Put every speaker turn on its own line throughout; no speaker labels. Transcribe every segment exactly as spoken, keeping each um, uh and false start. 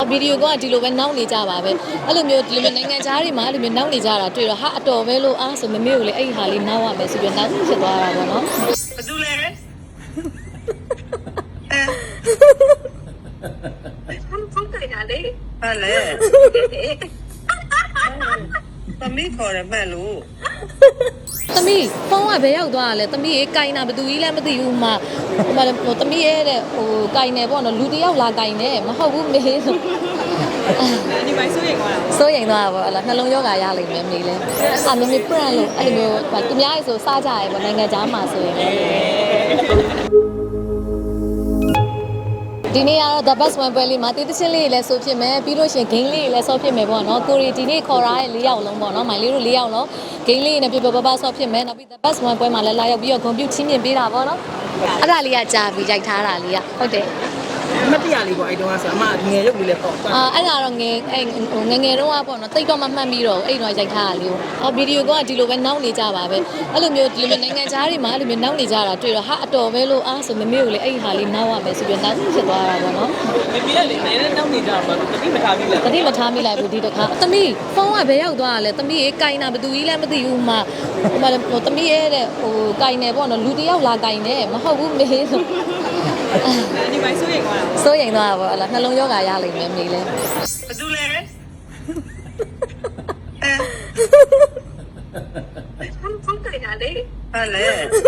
ဗီဒီယိုကဒီလိုပဲနောက်နေကြပါပဲအဲ့လိုမျိုးဒီလိုမျိုးနိုင်ငံခြားတွေမှာအဲ့လိုမျိုးနောက်နေကြတာတွေ့တော့ဟာအတော်ပဲလို့အားဆိုမမေကိုလေအဲ့ဒီဟာလေးနောက်ရမယ်ဆိုပြီးနောက်ဖြစ်သွားတာပေါ့နော်
ဘာတူလဲအဲဖုန်းဖုန်းကြတာလေဟာလေသမီးခေါ်ရမဲ့လို့
သမီးဖုန်းကဘယ်ရောက်သွားလဲသမီးရေကင်တာဘသူကြီးလည်းမသိဘူးမှဟိုဟိုသမီးရဲ့တဲ့ဟိုကင်နေပေါ့နော်လူတယောက်လာကင်နေမဟုတ်ဘူးမေးဆို
ဒီပိုင်းစိုးရိမ်သွားတာ
စိုးရိမ်သွားတာပေါ့အဲ့လားနှလုံးရောဂါရလိမ့်မယ်မေးလဲအာမမေ brand လို့အဲ့လိုမျိုးသူများရေဆိုစားကြရဲပေါ့နိုင်ငံခြားမှာဆိုရင်ဒီနေ့ကတော့ the best one ပွဲလေးမှာတေးသချင်းလေးလည်းဆိုဖြစ်မယ်ပြီးလို့ရှိရင် game လေးလည်းဆော့ဖြစ်မယ်ပေါ့နော်ကိုရီဒီနေ့ခေါ်ထားတဲ့၄ယောက်လုံးပေါ့နော်မိုင်လေးတို့၄ယောက်လုံး game လေးနဲ့ပြပြပပဆော့ဖြစ်မယ်နောက်ပြီး the best one ပွဲမှာလည်းလာရောက်ပြီးတော့ compute ချင်းမြင်ပေးတာပေါ့နော်အဲ့ဒါလေးကကြာပြီးရိုက်ထားတာလေးကဟုတ်တယ်
မတရားလေးပေါ့အဲ့တုန်းကဆိုအမငယ်ရုပ်လေးလည်းပေါ့
အာအဲ့ဒါတော့ငယ်အဲ့ငငယ်တုန်းကပေါ့နော်တိတ်တော့မှမှတ်ပြီးတော့အဲ့တော့ရိုက်ထားတာလေးကိုအော်ဗီဒီယိုကဒီလိုပဲနောက်နေကြပါပဲအဲ့လိုမျိုးဒီလိုမျိုးနိုင်ငံခြားတွေမှာအဲ့လိုမျိုးနောက်နေကြတာတွေ့တော့ဟာအတော်ပဲလို့အားဆိုမမေကိုလေအဲ့ဒီဟာလေးနောက်ရမယ်ဆိုပြီးနောက်ဖြစ်သွားတာပေါ့နော်
မမေကလေနေနဲ့နောက်နေကြပါတော့တတိမထားမိလား
တတိမထားမိလိုက်ဘူးဒီတခါသမီးဖုန်းကဘယ်ရောက်သွားလဲသမီးရေကင်တာဘသူကြီးလည်းမသိဘူးမှဟိုဟိုသမီးရဲ့တဲ့ဟိုကင်နေပေါ့နော်လူတယောက်လာကင်နေမဟုတ်ဘူးမေးဆို
ဒီပိုင်းစိုးရိမ်သွားတာ
စိုးရိမ်သွားတာပေါ့အဲ့လားနှလုံးရောဂါရလိမ့်မယ်မေးလဲ
ဘာတူလဲအဲဖုန်းဖုန်းကြတာလေဟာလေ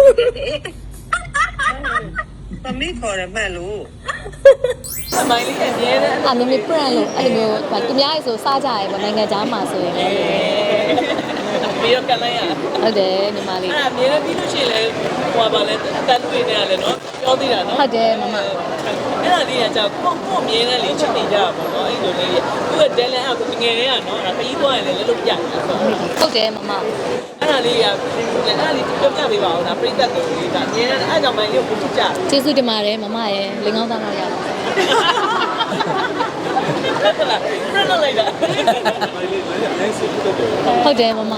သမီးခေါ်ရမဲ့လို့
အမိုင်းလေးအမြဲတမ်း
အာမမေ brand လို့အဲ့လိုမျိုးသူများရေဆိုစားကြရဲပေါ့နိုင်ငံခြားမှာဆိုရင်
ပြီးတော့ကန်လိုက်ရ
ဟုတ်တယ်ညီမလေး
အဲ့အမြဲတမ်းပြီးလို့ရှိရင်လေဟိုပါလေအတန်တွေနေရလေနော်ပြောသေးတာနော်
ဟုတ်တယ်မမ
အဲ့ဒါလေးကကြောက်ကိုကိုအမြဲတမ်းလေးချစ်နေကြတာပေါ့နော်အဲ့လိုလေးသူ့ရဲ့ talent အကူငယ်တွေကနော်ဒါခရီးသွားရင်လည်းလည်းလို့ပြတယ်ဆို
ဟုတ်တယ်မမ
အဲ့ဒါလေးကအဲ့ဒါလေးပြောပြပေးပါဦးဒါပြိတ္တတို့လေးဒါအမြဲတမ်းအဲ့ကြောင့်မှလေးကိုချစ်ကြ
ကျေးဇူးတင်ပါတယ်မမရဲ့လင်ကောင်းသားတော့ရပါ
ဟုတ်လားပြတ်လိုက်တာ
ဟုတ်တယ်မမ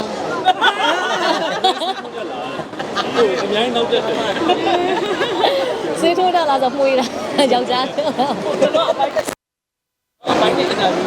အများကြီးနောက်တက်တယ်
စေးထိုးတာလားဆိုမှုရတာယောက်ျား
တော့အပိုက်အပိုက်နေတာမျိုး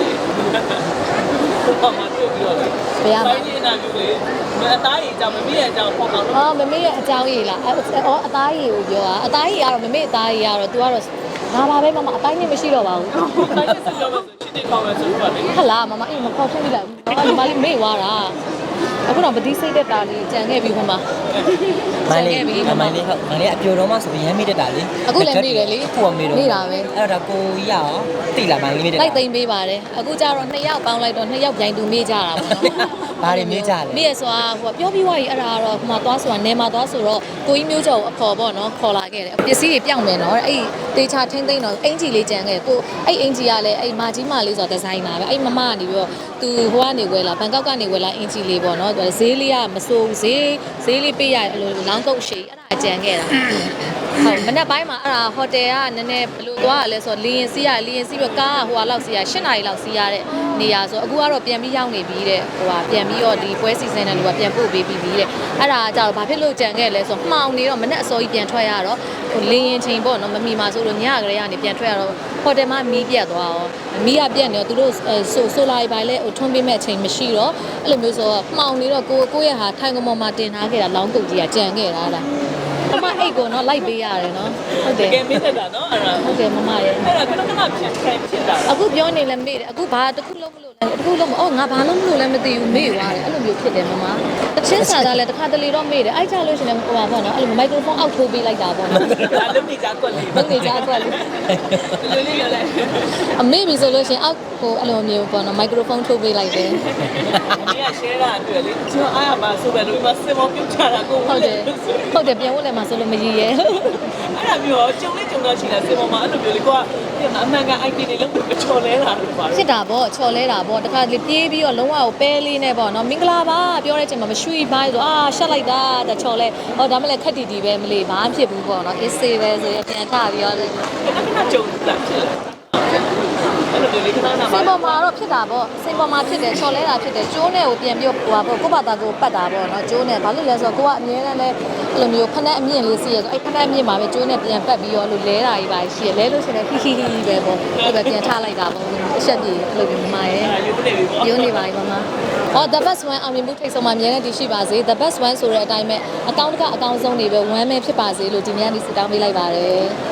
ဘာမှတွေ့ပြီးတော့
ဘယ်ရမှာ
ပိုင်းနေတာမျိုးလေအသားရည်ကြောင့်မမေ့ရကြောင့်ပေါ့တော့
အော်မမေ့ရဲ့အကြောင်းရည်လားအော်အသားရည်ကိုပြောတာအသားရည်ကတော့မမေ့အသားရည်ကတော့ तू ကတော့ငါပါပဲမမအပိုင်းနဲ့မရှိတော့ပါဘူး
အပိုင်းနဲ့ဆိုတော့ချစ်တဲ့ကောင်းမယ်ဆိုတော့လေ
ဟလာမမအေးမခေါ်ဖြစ်မိလိုက်ဘူးညီမလေးမေ့သွားတာအခုတော့ပတိစိတ်တက်တာလေးကြံခဲ့ပြီဟိုမှာ
မိုင်းလေးမိုင်းလေးဟုတ်မိုင်းလေးအပြိုတော့မှဆိုရင်မေ့တက်တာလေ
အခုလည်းမေ့တယ်လေ
အခုကမေ့တော့
မေ့တာပဲ
အဲ့တော့ကိုကြီးရအောင်တိလာမိုင်းလေးမေ့တက်
လိုက်သိမ့်ပေးပါတယ်အခုကျတော့နှစ်ယောက်ပေါင်းလိုက်တော့နှစ်ယောက်ပြိုင်သူမေ့ကြတာပေါ့နော်
ဘာတွေမေ့ကြလဲ
မေ့ရဆိုတာဟိုပြောပြီးွားကြီးအဲ့ဒါကတော့ဟိုမှာသွားဆိုတာနေမှာသွားဆိုတော့ကိုကြီးမျိုးကျော်ကိုအခေါ်ပေါ့နော်ခေါ်လာခဲ့တယ်ပစ္စည်းတွေပြောင်းမယ်နော်အဲ့တေချာထင်းသိမ့်တော့အင်ဂျီလေးကြံခဲ့ကိုအဲ့အင်ဂျီကလည်းအဲ့မာကြီးမာလေးဆိုတာဒီဇိုင်နာပဲအဲ့မမကနေပြီးတော့သူဟိုကနေဝယ်လာဘန်ကောက်ကနေဝယ်လာအင်ဂျီလေးပေါ့နော်ဈေးလေးကမစိုးဈေးဈေးလေးပေးရအဲ့လိုလောင်းကုတ်ရှိအဲ့ဒါကြံခဲ့တာဟုတ်မနေ့ပိုင်းမှာအဲ့ဒါဟိုတယ်ကနည်းနည်းဘယ်လိုသွားရလဲဆိုတော့လီရင်စီးရလီရင်စီးပြီးကားကဟိုဟာလောက်စီးရ၈နာရီလောက်စီးရတဲ့နေရာဆိုအခုကတော့ပြန်ပြီးရောက်နေပြီတဲ့ဟိုဟာပြန်ပြီးတော့ဒီပွဲစီစဉ်တဲ့လူကပြန်ပို့ပေးပြီးပြီတဲ့အဲ့ဒါကြတော့ဘာဖြစ်လို့ကြံခဲ့လဲဆိုတော့မှောင်နေတော့မနေ့အစောကြီးပြန်ထွက်ရတော့ဟိုလင်းရင်ချိန်ပေါ့နော်မမီမှာဆိုလို့ညကလေးကနေပြန်ထွက်ရတော့ဟိုတယ်မှာမီးပြတ်သွားရောမီးကပြတ်နေတော့သူတို့ဆိုဆိုလာပိုင်းလဲဟိုထွန်းပေးမဲ့အချိန်မရှိတော့အဲ့လိုမျိုးဆိုတော့မှောင်နေတော့ကိုကိုရဲ့ဟာထိုင်ကမော်မှာတင်ထားခဲ့တာလောင်းတုတ်ကြီးကကြံခဲ့တာလားမမအိတ်ကိုနော်လိုက်ပေးရတယ်နော်ဟုတ်တယ်
တကယ်မေ့တတ်တာနော်အဲ့ဒါ
ဟုတ်တယ်မမရဲ့
အဲ့ဒါခဏခဏဖြစ်ဖြစ်ဖြစ်တာ
အခုပြောနေလဲမေ့တယ်အခုဘာတစ်ခုလုံးမလို့လဲတစ်ခုလုံးမအော်ငါဘာလုံးမလို့လဲမသိဘူးမေ့သွားတယ်အဲ့လိုမျိုးဖြစ်တယ်မမတချင်းစာသားလဲတစ်ခါတလေတော့မေ့တယ်အဲ့ကြလို့ရှင်လဲဟိုပါပေါ့နော်အဲ့လိုမိုက်ခရိုဖုန်းအောက်ထိုးပေးလိုက်တာပေါ့နော်
ဒါလုံးနေကြကွက်လေး
လုံးနေကြကွက်လေး
လိုလေးရလဲ
အမေပြီဆိုလို့ရှင်အောက်ဟိုအဲ့လိုမျိုးပေါ့နော်မိုက်ခရိုဖုန်းထိုးပေးလိုက်တယ်
အမေက share တာတွေ့လေကျွန်တော်အားရပါဆိုပဲလို့ဒီမှာစင်မောပြုတ်ချတာကို
ဟုတ်တယ်ဟုတ်တယ်ပြန်ဝင်လဲမှာဆိုလို့မရည်ရဲ
အဲ့ဒါမျိုးကြုံလေးကြုံတော့ရှိတာစင်မောမှာအဲ့လိုမျိုးလေကိုကအမှန်ကန် အိုက် ပီ တွေလုံးဝချော်လဲတာလို့ပါ
ဖြစ်တာပေါ့ချော်လဲတာပေါ့တခါလေပြေးပြီးတော့လုံးဝကိုပဲလေးနဲ့ပေါ့နော်မင်္ဂလာပါပြောတဲ့အချိန်မှာမရွှေ့ပါဆိုအာရှက်လိုက်တာတချော်လဲဟောဒါမှလည်းခက်တီတီပဲမလေးဘာမှဖြစ်ဘူးပေါ့နော်အေးစေးပဲဆိုရပြန်ထပြီးတော့
ခဏခဏကြုံလာဖြစ်လာအဲ့လိုမျိုးလေးခဏနာ
စိန်ပေါ်မှာတော့ဖြစ်တာပေါ့စိန်ပေါ်မှာဖြစ်တယ်ချော်လဲတာဖြစ်တယ်ကျိုးနဲ့ကိုပြန်ပြီးဟိုပါပေါ့ကိုယ့်ဘာသာကိုပတ်တာပေါ့နော်ကျိုးနဲ့ဘာလို့လဲဆိုတော့ကိုကအမြဲတမ်းလဲအဲ့လိုမျိုးဖက်နဲ့အမြင့်လေးစီးရဆိုအဲ့ဖက်နဲ့အမြင့်မှာပဲကျိုးနဲ့ပြန်ပတ်ပြီးတော့လို့လဲတာကြီးပါရှိရလဲလို့ရှိရင်ဟီဟီဟီပဲပေါ့အဲ့ပဲပြန်ထားလိုက်တာပေါ့အချက်ကြီးအဲ့လိုမျိုးမမရဲ့
ယူနေပြီပေါ့
ရုံးနေပါပြီမမ။အော် the best one အောင်မြင်မှုထိတ်ဆုံးမှာအများနဲ့တည်ရှိပါစေ the best one ဆိုတဲ့အတိုင်းပဲအကောင့်တစ်ခါအကောင့်ဆုံးနေပဲ one ပဲဖြစ်ပါစေလို့ဒီနေ့ကနေစတောင်းပေးလိုက်ပါတယ်။